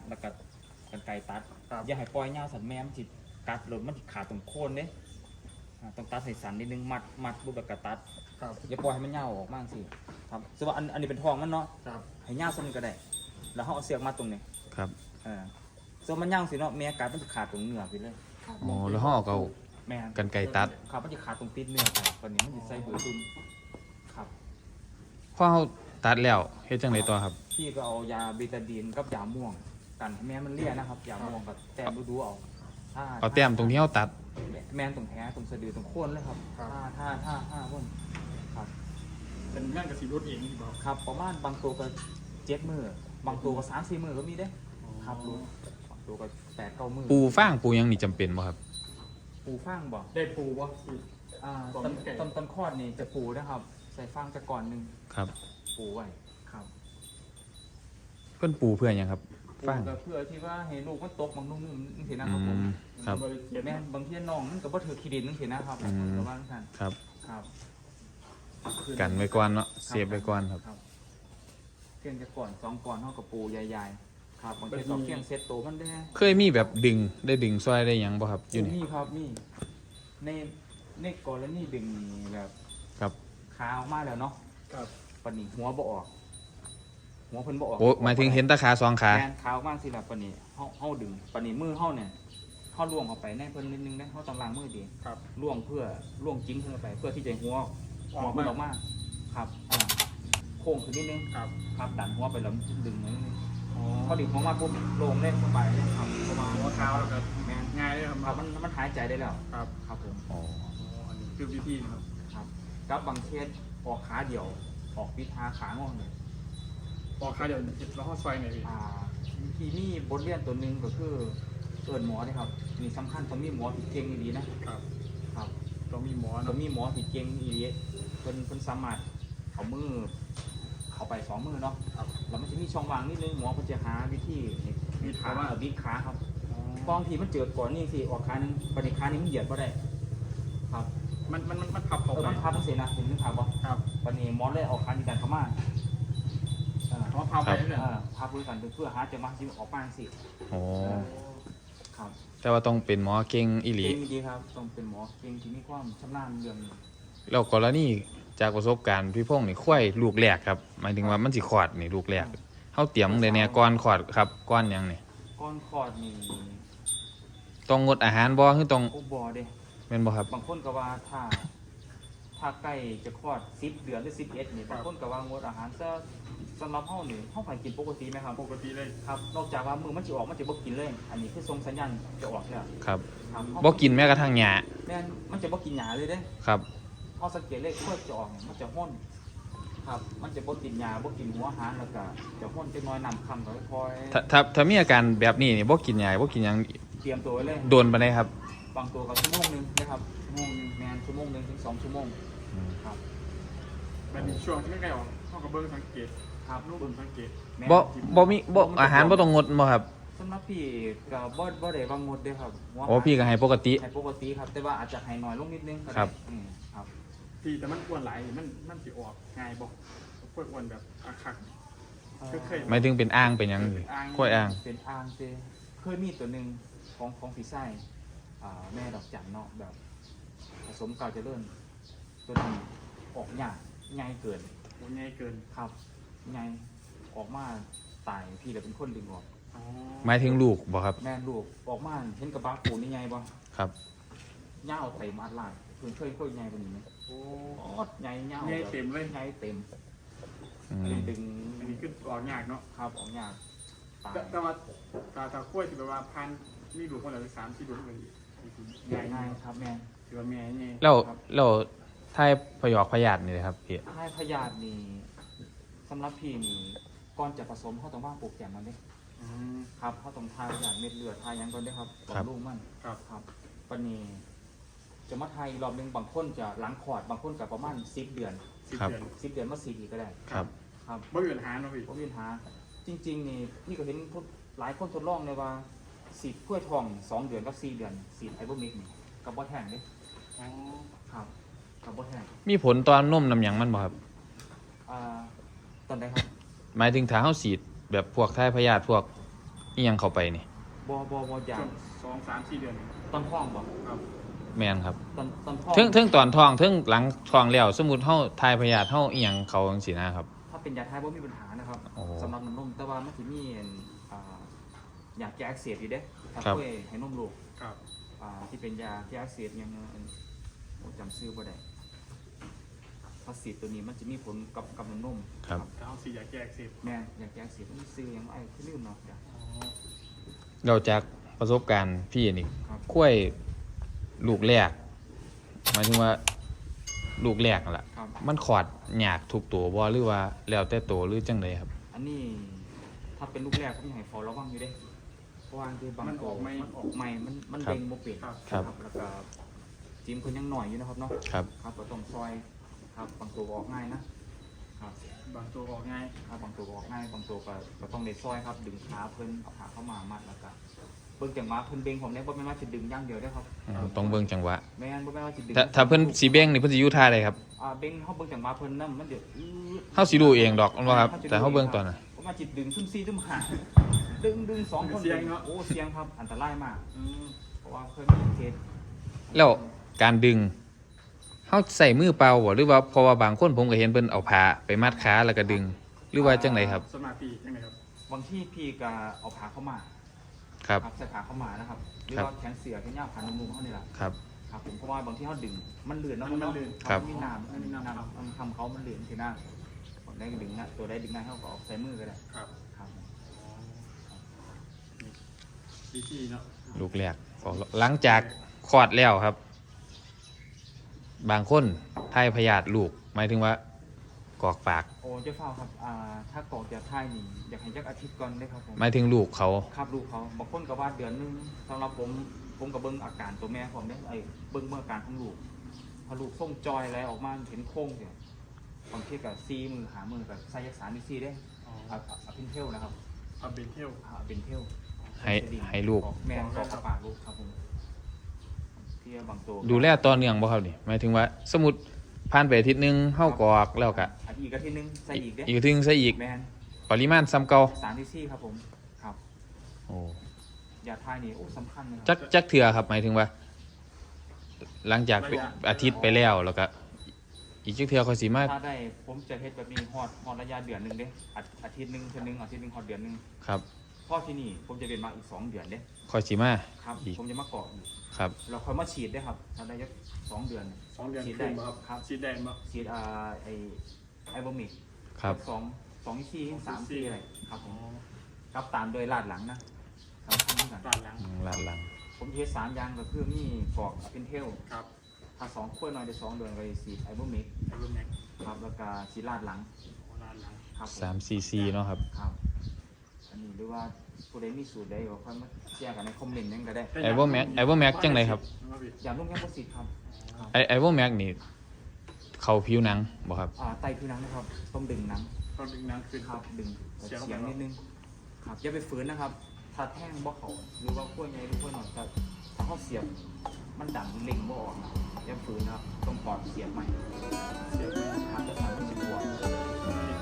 แล้วก็กันไกตัดอย่าให้ปล่อยยาวสันแม่มันจิกัดหรือมันจิขาดตรงโคนเนี่ยต้องตัดใส่สันนิดนึงมัดรูปแบบกระตัดอย่าปล่อยให้มันยาวออกมากสิครับซึ่งว่าอันนี้เป็นทองมันเนาะให้ยาวสักนิดก็ได้แล้วเขาเอาเสียกมาตรงนี้ครับส่วนมันยาวสิเนาะแม่กัดมันจะขาดตรงเนื้อไปเลยอ๋อแล้วเขาเอากันไกตัดครับมันจะขาดตรงติดเนื้อไปตอนนี้มันจะใส่หัวตุนครับพอเขาตัดแล้วเฮ็ดจังไดต่อครับพี่ก็เอายาเบตาดีนกับยาม่วงกันให้แม่มันเลี่ยนะครับยาม่วงกับแต้มดูเอาแต้มตรงที่เขาตัดแม่นตรงแผลตรงสะดือตรงโคนเลยครับถ้าพ่นครับเป็นงานกับสีรถเองที่บอกครับประมาณบางตัวก็7 มื้อบางตัวก็3-4 มื้อก็มีเด้ครับรู้บางตัวก็8-9 มื้อปูฟางปูยังนี่จำเป็นบ่ครับปูฟางบ่ได้ปูบ่ต้นคลอดนี่จะปูนะครับใส่ฟางจะก่อนนึงครับปูไว้ครับเพิ่นปูเพื่อหยังครับฟางเพื่อที่ว่าให้ลูกมันตกบางนุ่มๆนึงสินะครับผมครับแม่บางทีน้องมันก็บ่ถือขี้ดินนึงสินะครับประมาณนั้นครับครับกันไว้ก่อนเนาะเซฟไว้ก่อนครับเพียงจะก่อน2ก่อนเฮากับปูใหญ่ๆครับบางทีก็เพียงเซตโตมันได้เคยมีแบบดึงซอยได้หยังบ่ครับอยู่นี่ครับนี่ในกรณีดึงแบบครับขาออกมาแล้วเนาะครับปานนี้หัวบ่ออกหัวเพิ่นบ่ออกโอ้หมายถึงเห็นตาขา2ขาแม่นขาออกมาสิล่ะปานนี้เฮาดึงปานนี้มือเฮาเนี่ยเฮาล่วงเข้าไปในเพิ่นนิดนึงนะเฮาต้องล้างมือดีครับล่วงจิ้งเข้าไปเพื่อที่จะหัวมันออกมาครับโค้งขึ้นนิดนึงครับดันหัวไปแล้วดึงนิดนึงพอดึงหัวมาปุ๊บลงเล่นสบายเลยครับประมาณหัวเท้าแล้วก็ง่ายเลยครับมันหายใจได้แล้วครับผมอ๋ออันนี้คือวิธีครับกับบางเคสออกขาเดี่ยวออกปิดขางอเลยออกขาเดี่ยวแล้วข้อซอยไหนที่นี่บทเรียนตัวหนึ่งก็คือเอิญหมอนะครับมีสำคัญต้องมีหมอที่เก่งดีนะครับต้องมีหมอที่เก่งดีเพิ่นสามารถเอามือเข้าไป2 มือเนาะแล้วมันจะมีช่องว่างนิดนึงหมอเพิ่นจะหาวิธีบิดขาครับบางทีมันเจิดก่อนนี่สิออกขานึงปฏิขานี้มันเหยียดบ่ได้ครับมันพับเขามันพับมันเสียนะเห็นนึกภาพบ่ครับปฏิหมอเลยออกขาในการเข้ามาพับไปเลยพับด้วยกันเพื่อหาจะมาที่ออกมาสิโอ้ครับแต่ว่าต้องเป็นหมอเก่งอีหลีเก่งดีครับต้องเป็นหมอเก่งที่มีความชำนาญเรื่องนี้แล้วกรณีจากประสบการณ์พี่พงษ์นี่ควายลูกแรกครับหมายถึงว่ามันสิคลอดนี่ลูกแรกเฮาเตรียมได้แน่ก่อนคลอดครับก่อนหยังนี่ก่อนคลอดนี่ต้องงดอาหารบ่คือต้องบ่เด้แม่นบ่ครับบางคนก็ว่าถ้าใกล้จะคลอด10 เดือนหรือ11นี่บางคนก็ว่างดอาหารซะสำหรับเฮานี่เฮาไปกินปกติไหมครับปกติเลยครับนอกจากว่ามือมันสิออกมันจะบ่กินเลยอันนี้คือส่งสัญญาณจะออกแล้วครับบ่กินแม้กระทั่งหญ้าแม่นมันจะบ่กินหญ้าเลยเด้ครับเฮาสังเกตเลยค่อยจะออกมันจะห้นครับมันจะบ่กินหญ้าบ่กินหัวอาหารแล้วก็จะห้นจักหน่อยน้ำค่ำก็ค่อยถ้ามีอาการแบบนี้นี่บ่กินหญ้าบ่กินหยังเตรียมตัวไว้เลยโดนปานใดครับบางตัวก็ชั่วโมงนึงนะครับชั่วโมงนึงแม่นชั่วโมงนึงถึง2 ชั่วโมงครับมันมีช่วงที่ใกล้ออกเฮาก็เบิ่งสังเกตครับรูปเบิ่งสังเกตบ่มีอาหารบ่ต้องงดบ่ครับสำหรับพี่ก็บ่ได้ว่างดเด้ครับโอ้พี่ก็ให้ปกติครับแต่ว่าอาจจะให้น้อยลงนิดนึงครับครับพี่แต่มันอ้วนหลายมันสิออกง่ายบ่พวกอ้วนแบบคักหมายถึงเป็นอ่างเป็นหยังค่อยอ่างเป็นอ่างซิเคยมีตัวนึงของพี่ไส้แม่ดอกจันเนาะแบบผสมกาวเจริญตัวนี้ออกยากง่ายเกินครับง่ายออกมาตายพี่แต่เป็นคนดึงออกหมายถึงลูกบ่ครับแม่ลูกออกมาเห็นกระบะปูนี่ไงบ่ครับย่าเอาเต็มอัดลาดเพิ่นเคยใหญ่กว่านี้มั้ยโอ้ใหญ่ย่าเต็มเลยใหญ่เต็มดึงอันนี้คือออกยากเนาะครับออกยากแต่ว่าถ้ากล้วยที่แบบว่าพันมีลูกคนละ3-4ลูกเลยง่ายครับแม่ถือว่าแม่นี่แล้วท้ายพยอกพยาธินี่ครับพี่ท้ายพยาธินี่สำหรับพี่นี่ก่อนจะผสมเฮาต้องวางโปรแกรมมันเด้ครับเขาต้องทายอย่างเม็ดเลือดทายยังก่อนได้ครับบำรุงมันครับปนีจะมาทายรอบนึงบางคนจะหลังคลอดบางคนกับประมาณ10 เดือน10 เดือนมา4 อีกก็ได้ครับบ่มีปัญหาเนาะพี่บ่มีปัญหาจริงๆนี่พี่ก็เห็นหลายคนทดลองเลยว่าสีดกล้วยทอง2 เดือนกับ4 เดือนสีดไอโบมิกนี่กับบ่แห้งเด้ครับกับบ่แห้งมีผลตอนนมน้ำหยังมันบ่ครับตอนใดครับหมายถึงถ้าเฮาสีดแบบพวกท้ายพยาธิพวกอีหยังเข้าไปนี่บ่อยาช่กวง2-3-4 เดือนตอนท้องบ่ครับแม่นครับตอนท้องเทิงตอนท้องเทิงหลังท้องแล้วสมมุติเฮาทายพยาธิเฮาอีหยังเขาจังซี่นะครับถ้าเป็นยาทายบ่มีปัญหานะครับโอ้สำหรับน้ำนมแต่ว่ามันสิมียาแก้อักเสบอยู่เด้ถ้าครับช่วยให้นมลูกครับที่เป็นยาแก้อักเสบยังจำชื่อบ่ได้พาสีตัวนี้มันจะมีผลกับน้ำนมครับถ้าเอาสีอยากแก้อักเสบแม่ยาแก้อักเสบมันซื้อยังไอ้คือลืมเนาะจ้ะเราจากประสบการณ์พี่นี่ครับกล้วยลูกแรกหมายถึงว่าลูกแรกนั่นล่ะครับมันขอดยากทุกตัวบ่หรือว่าแล้วแต่ตัวหรือจังไดครับอันนี้ถ้าเป็นลูกแรกผมอยากให้ฟอระวังอยู่เด้เพราะว่าคือบางมันออกไหมมันออกใหม่มันครับเด้งบ่เป็นครับแล้วก็จิมคนยังหน่อยอยู่นะครับเนาะครับครับก็ต้องซอยครับบางตัวก็ออกง่ายนะครับบางตัวออกง่ายครับบางตัวก็ออกง่ายบางตัวก็ต้องได้ซอยครับดึงขาเพิ่นเอาขาเข้ามามัดแล้วก็เบิ่งจังหวะเพิ่นเบ่งผมเนี่ยบ่แม่นว่าสิดึงอย่างเดียวเด้อครับต้องเบิ่งจังหวะแม่นบ่แม่นว่าสิดึงถ้าเพิ่นสิเบ้งนี่เพิ่นสิอยู่ท่าใดครับเบ่งเฮาเบิ่งจังหวะเพิ่นนำมันเดี๋ยวเฮาสิรู้เองดอกว่าครับ แต่เฮาเบิ่งตอนน่ะผมว่าจิตดึงซุ่ม4ซุ่ม5ดึง2คนโอ้เสียงครับอันตรายมากเพราะว่าเคยมีเคสแล้วการดึงเฮาใส่มือเปล่าบ่หรือว่าเพราะว่าบางคนผมก็เห็นเพิ่นเอาผ้าไปมัดขาแล้วก็ดึง หรือว่าจังไดครับสมาธิจังไดครับบางที่พี่ก็เอาขาเข้ามาครับใส่ขาเข้ามานะครับหรือครับว่าแขนเสือแขนยาวขานุ่มๆเขานี่แหละครับครับผมเพราะว่าบางที่เขาดึงมันเลื่อนเนาะมันเนาะเลื่อนครับมีน้ำมันมีน้ำมันทำเขามันเลื่อนทีหน้าผมได้ดึงนะตัวได้ดึงได้เขาก็ออกใส่มือก็ได้ครับครับวิธีเนาะลูกแรกหลังจากคลอดแล้วครับ บางคนทายพยาธิลูก หมายถึงว่ากอกปากโอ้เจ้าเฝ้าครับถ้ากอกจะท่ายนี่อยากให้จักอาทิตย์ก่อนได้ครับผมหมายถึงลูกเขาครับลูกเขาบางคนก็ว่าเดือนนึงสำหรับผมกับเบิ้งอาการตัวแม่ผมเนี่ยเบิ้งเมื่ออาการของลูกพอลูกส่งจอยอะไรออกมาเห็นโค้งเนี่ยบางทีกับซีมือหามือกับไซยักษามีซีได้อ๋อเอาพินเทลนะครับเอาเบนเทลเป็นเทลให้ลูกแม่กอกระปากลูกครับผมที่บางตัวดูแลต่อเนื่องบ่ครับนี่หมายถึงว่า สมมุติผ่านไปอาทิตย์หนึงเฮากอกแล้วก็อีกอาทิตย์นึงใส่อีกเด้อีกอาทิตย์หนึงใส่อีกแมนปริมาณซ้ำเก่า 3ที่ซี่ครับผมครับโอ้ยาทายนี่โอ้สำคัญนะคจัรักจักเทื่อครับหมายถึงว่า หลังจากอาทิตย์ไปแล้วแล้วก็ อีกจักเทื่อค่อยสิมาถ้าได้ผมจะเฮ็ดแบบนี้ฮอดระยะเดือนนึงเด้อาทิตย์นึงเทื่อนึงอาทิตย์นึงฮอดเดือนนึงครับพอที่นี่ผมจะเป็นมาอีก2 เดือนเด้ค่อยสิมาครับอีกผมจะมาเกาะอีกครับเราค่อยมาฉีดได้ครับถ้าได้ยัก2 เดือน 2 เดือนฉีดขึ้ได้นบ่ครับครับฉีดได้บ่ฉีดไอบอมิกครับ 2ที่ซี่3ที่อะไรครับผมครับตามโดยลาดหลังนะสำคัญเหมือนกันด้านหลังหลังหลังผมเทส3 อย่างก็คือมีกอกเป็นเทลครับถ้า2ขั้วหน่อยได้2 เดือนก็ฉีดไอบอมิกไอ้รุ่นแม็กครับแล้วก็ฉีดลาดหลังด้านหลังครับผม 3 cc เนาะครับครับอันนี้หรือว่าผู้ใดมีสูตรใดก็ค่อยมาแชร์กันในคอมเมนต์นั่นก็ได้ไอโวแม็กจังไดครับอย่าลุ่มแง่ประสิทธิ์ครับไอโวแม็กนี่ เขาผิวหนังบ่ครับไตผิวหนังนะครับต้องดึงหนังต้องดึงน้ำขึ้นครับดึงเสียงเสียงนิดนึงครับอย่าไปฝืนนะครับ ถ้าแท่งบ่เขาหรือว่าขั้วใหญ่หรือขั้วหน่อยแต่ถ้าเขาเสียบมันดังเล็งบ่ออกนะอย่าฝืนนะครับต้องปอดเสียบใหม่เสียงครับจะทำให้มันบวมติด